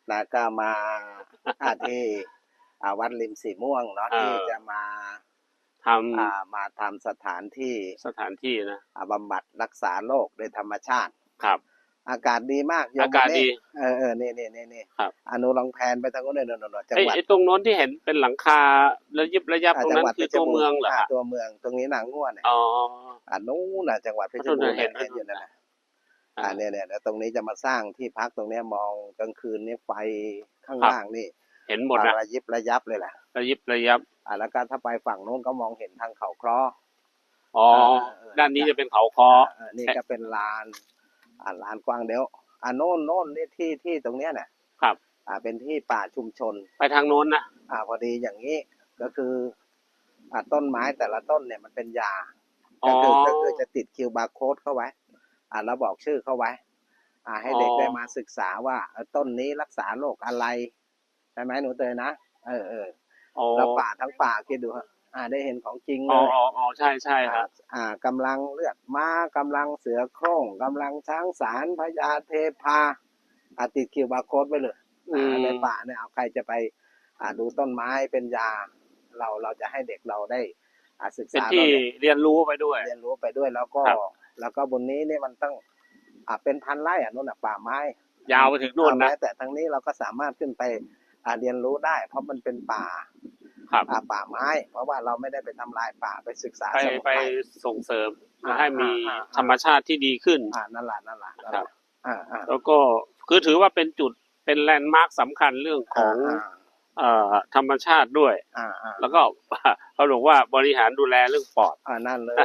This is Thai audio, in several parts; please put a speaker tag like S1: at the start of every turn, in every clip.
S1: นะก็มาที่วัดริมสีม่วงเนาะที่จะมา
S2: ท
S1: มาทำสถานที่
S2: นะ
S1: บำบัดรักษาโรคโดยธรรมชาติ
S2: ครับ
S1: อากาศดีมาก
S2: อากาศดี
S1: นี่
S2: ครับ
S1: อนุลองแพนไปทางโน้นเลยจังหวัด
S2: ตรงโน้นที่เห็นเป็นหลังคาระยับตรงนั้นคือตัวเมืองเหรอ
S1: ตัวเมืองตรงนี้นางง่วนเนี่ยนู้นจังหวัดเพชรบูรณ์เห็นอยู่นั่นแหละเนี่ยแล้วตรงนี้จะมาสร้างที่พักตรงนี้มองกลางคืนนี่ไฟข้างล่างนี่
S2: เห็นหมดนะ
S1: ระยับเลยแหละ
S2: ระยับ
S1: แล้วก็ถ้าไปฝั่งโน้นก็มองเห็นทางเขาเคราะห์
S2: ด้านนี้จะเป็นเขาคอ
S1: นี่ก็เป็นลานกว้างเดี๋ยวโน่นนี่ที่ตรงเนี้ยเนี่ย
S2: ครับ
S1: เป็นที่ป่าชุมชน
S2: ไปทางโน้นนะ
S1: พอดีอย่างนี้ก็คือต้นไม้แต่ละต้นเนี่ยมันเป็นยาก็คือจะติดคิวบาร์โค้ดเข้าไว้แล้วบอกชื่อเข้าไว้ให้เด็กได้มาศึกษาว่าต้นนี้รักษาโรคอะไรใช่ไหมหนูเตยนะแล้วป่าทั้งป่าคิดดูได้เห็นของจริงเลย
S2: ใช่ครับ
S1: กำลังเลือดม้ากำลังเสือโคร่งกำลังช้างสารพญาเทพาติดคิวบาร์โค้ดไปเลยในป่าเนี่ยเอาใครจะไปดูต้นไม้เป็นยาเราจะให้เด็กเราได้ศึกษา
S2: ที่เรียนรู้ไปด้วย
S1: แล้วก็บนนี้เนี่ยมันต้องเป็นพันไร่นู่นป่าไม้
S2: ยาวไปถึงนู่นนะ
S1: แต่ทางนี้เราก็สามารถขึ้นไปเรียนรู้ได้เพราะมันเป็นป่าป่าไม้เพราะว่าเราไม่ได้ไปทำลายป่าไปศึกษา
S2: ไปส่งเสริมให้มีธรรมชาติที่ดีขึ้น
S1: นั่นแหละ
S2: ครับแล้วก็คือถือว่าเป็นจุดเป็นแลนด์มาร์คสำคัญเรื่องของธรรมชาติด้วยแล้วก็เขาบอกว่าบริหารดูแลเรื่องปอด
S1: นั่นเลย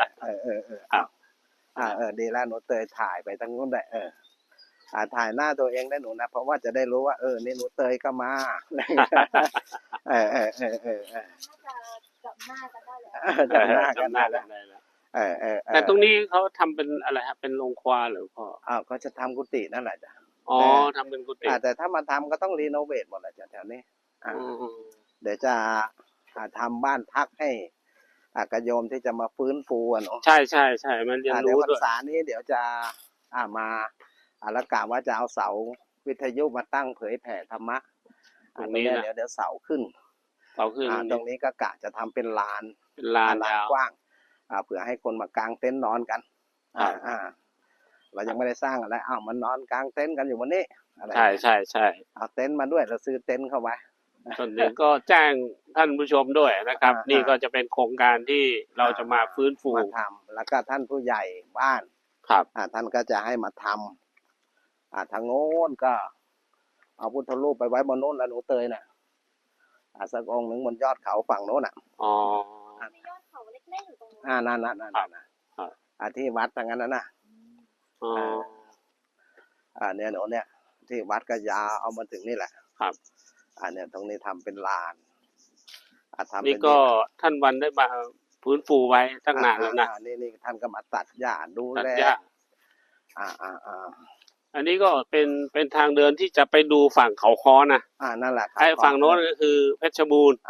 S1: ดีแล้วหนูเตยถ่ายไปทั้งนู้นได้ถ่ายหน้าตัวเองได้หนูนะเพราะว่าจะได้รู้ว่านี่หนูเตยก็มา
S3: จำหน้ากันได้
S1: แล้ว
S2: แต่ตรงนี้เขาทำเป็นอะไรครับเป็นโรงควาหรือพ่อ
S1: ก็จะทำกุฏินั่นแหละจ้ะ
S2: ทำเป็นกุฏิ
S1: แต่ถ้ามาทำก็ต้องรีโนเวทหมดแหละจ้ะแถวนี้เดี๋ยวจะทำบ้านพักให้กระโยมที่จะมาฟื้นฟูเนาะ
S2: ใช่มันเรียนรู้ด้วย
S1: พรรษานี้เดี๋ยวจะมาแล้วกะว่าจะเอาเสาวิทยุมาตั้งเผยแผ่ธรรมะ
S2: ตรงนี้
S1: เดี๋ยวเสาขึ้นตรงนี้ก็กะจะทำเป็นลานกว้างเผื่อให้คนมากางเต็นท์นอนกันเรายังไม่ได้สร้างอะไรมันนอนกางเต็นท์กันอยู่วันนี้
S2: ใช่
S1: เอาเต็นท์มาด้วยเราซื้อเต็นท์เข้าไว้
S2: ส่วนหนึ่งก็แจ้งท่านผู้ชมด้วยนะครับนี่ก็จะเป็นโครงการที่เราจะมาฟื้นฟู
S1: ทำแล้วก็ท่านผู้ใหญ่บ้าน
S2: ครับ
S1: ท่านก็จะให้มาทำทางโน้นก็เอาพุทธรูปไปไว้บนโน้นแล้วหนูเตยน่ะสักองค์หนึ่งบนยอดเขาฝั่งโน้น
S3: มียอดเขาเล็กๆอยู่ตรง
S1: นั้นนั่นที่วัดทางนั้นนะเนี่ยหนูเนี่ยที่วัดก็ยาวเอามาถึงนี่แหละ
S2: ครับ
S1: เนี่ยตรงนี้ทำเป็นลาน
S2: นี่ก็ท่านวันได้มาฟื้นฟูไว้ตั้งนานแล้วนะ
S1: นี่ท่านก็มาตัดหญ้าดูแล
S2: อันนี้ก็เป็นทางเดินที่จะไปดูฝั่งเขาค้อนะ
S1: นั่นแหละ
S2: ไอ้ฝั่งโน้นก็คือเพชรบูรณ์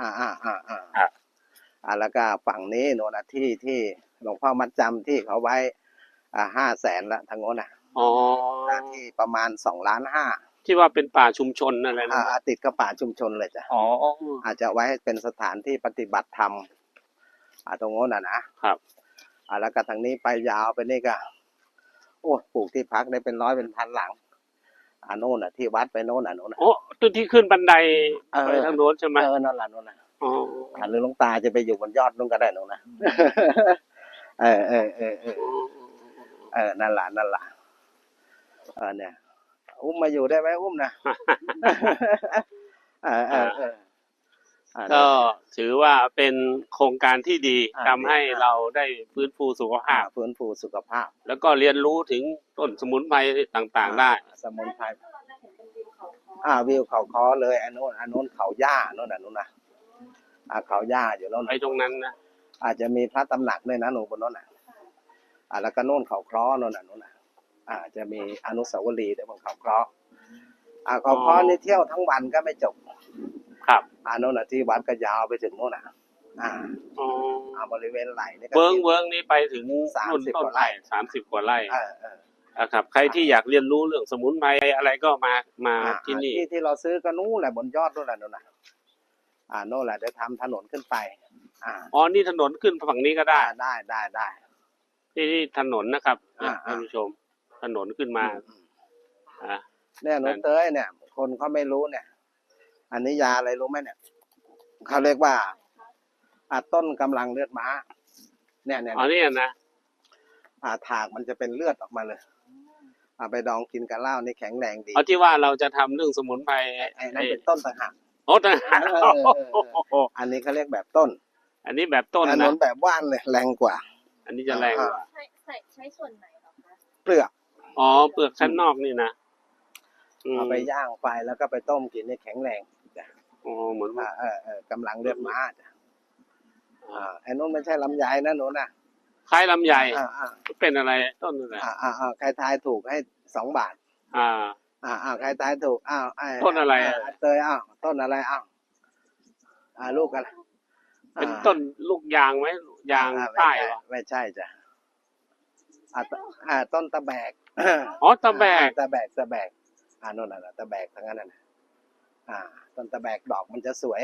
S1: แล้วก็ฝั่งนี้โน่นนะที่หลวงพ่อมัดจำที่เขาไว้500,000ละทางโน้นนะที่ประมาณ2,500,000
S2: ที่ว่าเป็นป่าชุมชนอะไรนะ
S1: ติดกับป่าชุมชนเลยจ้ะอาจจะไว้เป็นสถานที่ปฏิบัติธรรมตรงโน้น
S2: นะครับ
S1: แล้วก็ทางนี้ไปยาวไปนี่ก็โอ้ปลูกที่พักได้เป็น100เป็นพันหลังโน่นที่วัดไปโน่นโน่น
S2: ต้นที่ขึ้นบันไดไปทางโน้นใช่ไหม
S1: นั่นแหละโน่นหรือหลวงตาจะไปอยู่บนยอดนู่นก็ได้โน่นนะนั่นแหละเนี่ยอุ้มมาอยู่ได้ไหมอุ้มนะ
S2: ก็ถือว่าเป็นโครงการที่ดีทำให้เราได้ฟื้นฟูสุขภาพแล้วก็เรียนรู้ถึงต้นสมุนไพรต่างๆได้
S1: สมุนไพรวิวเขาค้อเลยอันโน้นเขาหญ้าโน่นนะเขาหญ้าอยู่แล้ว
S2: ไปตรงนั้นนะ
S1: อาจจะมีพระตำหนักด้วยนะหนูบนโน้นแล้วก็โน่นเขาค้อโน่นจะมีอนุสาวรีย์บนเขาค้อเขาค้อนี่เที่ยวทั้งวันก็ไม่จบ
S2: ครับ
S1: โน่นที่วัดก็ยาวไปถึงโน่นบริเวณไหล่นี่
S2: เวิ้งนี้ไปถึง30 กว่าไร่30 กว่าไร่ครับใครที่อยากเรียนรู้เรื่องสมุนไพรอะไรก็มาที่นี่
S1: ที่เราซื้อก็นู้นแหละบนยอดนู้นแหละนู่นน่ะโน่นแหละเดี๋ยวทำถนนขึ้นไป
S2: อ๋อนี่ถนนขึ้นฝั่งนี้ก็ได้
S1: ได้
S2: ที่ถนนนะครับท่านผู้ชมถนนขึ้นมา
S1: เนี่ยหนูเต้ยเนี่ย คนเขาไม่รู้เนี่ย อันนี้ยาอะไรรู้ไหมเนี่ยเขาเรียกว่าต้นกำลังเลือดม้าเนี่ย
S2: อ๋อนี่นะ
S1: ถากมันจะเป็นเลือดออกมาเลยเอาไปดองกินกับเหล้านี่แข็งแรงดี
S2: เอาที่ว่าเราจะทำเรื่องสมุนไพร
S1: นั่นเป็นต้นต่างหาก
S2: โอ้ต่างหาก
S1: อันนี้เขาเรียกแบบต้น
S2: อันนี้แบบต้นนะ
S1: อันนั้นแบบว่านเลยแรงกว่า
S2: อันนี้จะแรงกว่า
S3: ใช้ส่วนไหนหรอคะ
S1: เปลือก
S2: อ๋อเปลือกชั้นนอกนี่นะ
S1: เอาไปย่างไฟแล้วก็ไปต้มกินนี่แข็งแรง
S2: อ๋อเหมือนว่
S1: ากำลังเลือดม้าจ้ะไอ้นู้นไม่ใช่ลำไยนะหนูนะ
S2: คล้ายลำไยเป็นอะไรต้นอะไร
S1: ใครทายถูกให้2 บาทใครทายถูก
S2: ต้นอะไร
S1: เตยต้นอะไรลูกอะไร
S2: เป็นต้นลูกยางไหมยางใต้หรอ
S1: ไม่ใช่จ้ะต้นตะแบก
S2: อ๋อตะแบก
S1: โน่นน่ะตะแบกทั้งนั้นน่ะต้นตะแบกดอกมันจะสวย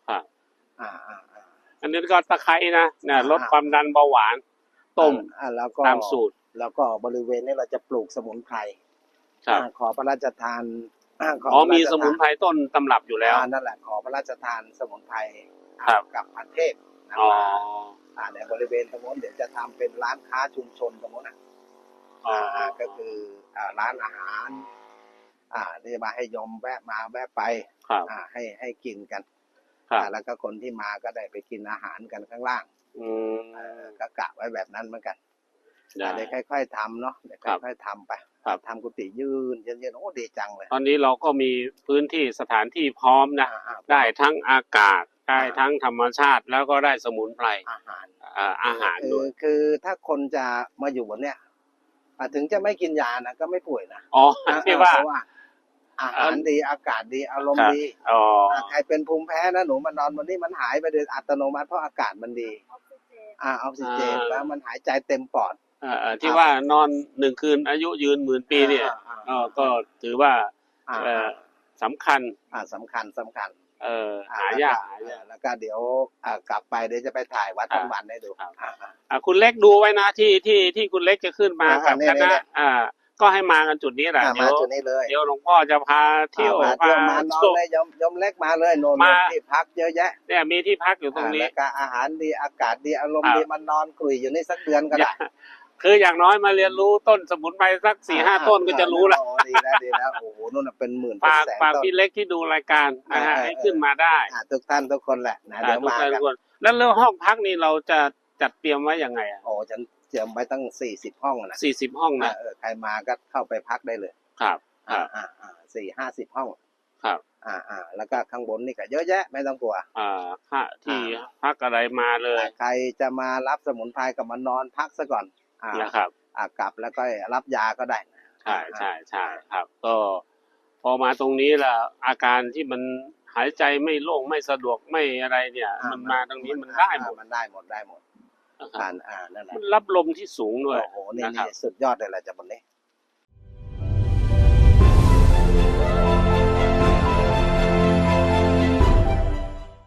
S2: อันนี้ก็ตะไคร้นะเนี่ยลดความดันเบาหวานต้ม
S1: แล้วก็
S2: ตามสูตร
S1: แล้วก็บริเวณนี้เราจะปลูกสมุนไพรขอพระราชทาน
S2: อ๋อมีสมุนไพรต้นตำรับอยู่แล้ว
S1: นั่นแหละขอพระราชทานสมุนไพรกับพันเทพในบริเวณตรงนู้นเดี๋ยวจะทำเป็นร้านค้าชุมชนตรงนู้นก็คือร้านอาหารที่มาให้ยมแวะมาแวะไปให้กินกันแล้วก็คนที่มาก็ได้ไปกินอาหารกันข้างล่างก็กะไว้แบบนั้นเหมือนกันเดี๋ยวค่อยๆทำเนาะเดี๋ยวค่อยๆทำไปทำกุฏิยืนเย็นๆโอ้ดีจังเลย
S2: ตอนนี้เราก็มีพื้นที่สถานที่พร้อมนะได้ทั้งอากาศได้ทั้งธรรมชาติแล้วก็ได้สมุนไพรอาหารด้วย
S1: คือถ้าคนจะมาอยู่บนเนี้ยถึงจะไม่กินยานะก็ไม่ป่วยนะ
S2: อ๋อที่ว่า
S1: อาหารดีอากาศดีอารมณ์ดีใครเป็นภูมิแพ้นะหนูมานอนวันนี้มันหายไปโดยอัตโนมัติเพราะอากาศมันดีออกซิเจนแล้วมันหายใจเต็มปอด
S2: ที่ว่านอน1 คืนอายุยืน10,000 ปีเนี่ยก็ถือว่าสำคัญ
S1: สำคัญ
S2: หายาก
S1: แล้วก็เดี๋ยวกลับไปเดี๋ยวจะไปถ่ายวัดทั้งวันให้ดู
S2: คุณเล็กดูไว้นะที่คุณเล็กจะขึ้นมากับคณะก็ให้มากันจุดนี้แหละ
S1: มาจุดนี้เลย
S2: เดี๋ยวหลวงพ่อจะพาเที่ยว
S1: มานอนเลยยมเล็กมาเลยโน่นที่พักเยอะแยะ
S2: เนี่ยมีที่พักอยู่ตรงนี้
S1: แล้วก็อาหารดีอากาศดีอารมณ์ดีมันนอนคุยอยู่นี่สักเดือนก็ได้
S2: คืออย่างน้อยมาเรียนรู้ต้นสมุนไพรสัก 4-5 ต้นก็จะรู้แล้ว
S1: ดีแล้วโอ้โหนู่นเป็นหมื่น
S2: เป็นแสนต้นฝากพี่เล็กที่ดูรายการให้ขึ้นมาได้
S1: ทุกท่านทุกคนแหละนะเดี๋ยวมากัน
S2: แล้วเรื่องห้องพักนี่เราจะจัดเตรียมไว้ยังไง
S1: โอ้ฉันเตรียมไว้ตั้ง40 ห้องนะ
S2: 40 ห้องนะ
S1: ใครมาก็เข้าไปพักได้เลย
S2: ครับ
S1: 40-50 ห้อง
S2: ครับ
S1: แล้วก็ข้างบนนี่ก็เยอะแยะไม่ต้องกลัว
S2: ค่าที่พักอะไรมาเลย
S1: ใครจะมารับสมุนไพรก็มานอนพักซะก่อน
S2: นะครับ
S1: กลับแล้วก็รับยาก็ได้
S2: ใช่ครับก็พอมาตรงนี้ล่ะอาการที่มันหายใจไม่โล่งไม่สะดวกไม่อะไรเนี่ยมันมาตรงนี้มันได้หมด
S1: นั่นแหละ
S2: มันรับลมที่สูงด้วย
S1: โอ้โหนี่สุดยอดเลยแหละจากบนนี้